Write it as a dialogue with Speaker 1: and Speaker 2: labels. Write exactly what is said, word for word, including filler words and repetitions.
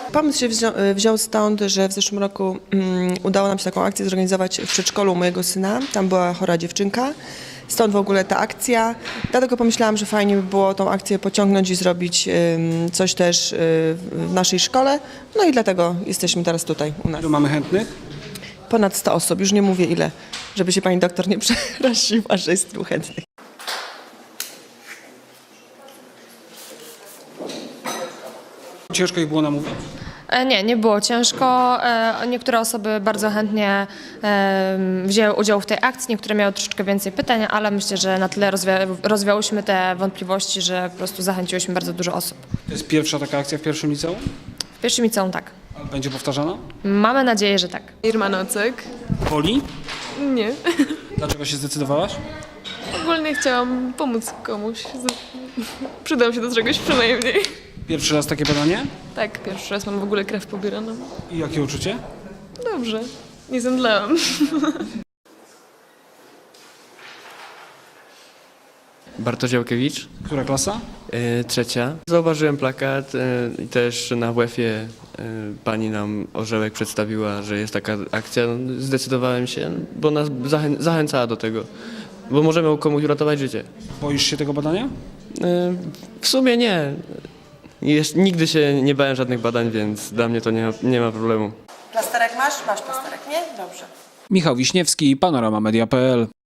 Speaker 1: Pomysł się wziął, wziął stąd, że w zeszłym roku um, udało nam się taką akcję zorganizować w przedszkolu mojego syna. Tam była chora dziewczynka. Stąd w ogóle ta akcja. Dlatego pomyślałam, że fajnie by było tą akcję pociągnąć i zrobić um, coś też um, w naszej szkole. No i dlatego jesteśmy teraz tutaj u nas.
Speaker 2: Ilu mamy chętnych?
Speaker 1: Ponad sto osób, już nie mówię ile, żeby się pani doktor nie przeraziła, że jest tu chętnych.
Speaker 2: Ciężko ich było namówić?
Speaker 3: E, Nie, nie było ciężko. E, Niektóre osoby bardzo chętnie e, wzięły udział w tej akcji, niektóre miały troszeczkę więcej pytań, ale myślę, że na tyle rozwia rozwiałyśmy te wątpliwości, że po prostu zachęciłyśmy bardzo dużo osób.
Speaker 2: To jest pierwsza taka akcja w pierwszym liceum?
Speaker 3: W pierwszym liceum tak.
Speaker 2: A będzie powtarzana?
Speaker 3: Mamy nadzieję, że tak.
Speaker 4: Irma Nocek.
Speaker 2: Woli?
Speaker 4: Nie.
Speaker 2: Dlaczego się zdecydowałaś?
Speaker 4: Ogólnie chciałam pomóc komuś. Przydam się do czegoś przynajmniej.
Speaker 2: Pierwszy raz takie badanie?
Speaker 4: Tak, pierwszy raz mam w ogóle krew pobieraną.
Speaker 2: I jakie uczucie?
Speaker 4: Dobrze, nie zemdlałam.
Speaker 5: Bartosz Jałkiewicz,
Speaker 2: Która klasa?
Speaker 5: y, trzecia. Zauważyłem plakat y, i też na W F-ie y, pani nam Orzełek przedstawiła, że jest taka akcja. No, zdecydowałem się, bo nas zachę zachęcała do tego, bo możemy komuś uratować życie.
Speaker 2: Boisz się tego badania?
Speaker 5: Y, w sumie nie. Jeszcze, nigdy się nie bałem żadnych badań, więc dla mnie to nie ma, nie ma problemu.
Speaker 1: Plasterek masz? Masz plasterek, nie? Dobrze.
Speaker 2: Michał Wiśniewski, Panorama Media kropka p l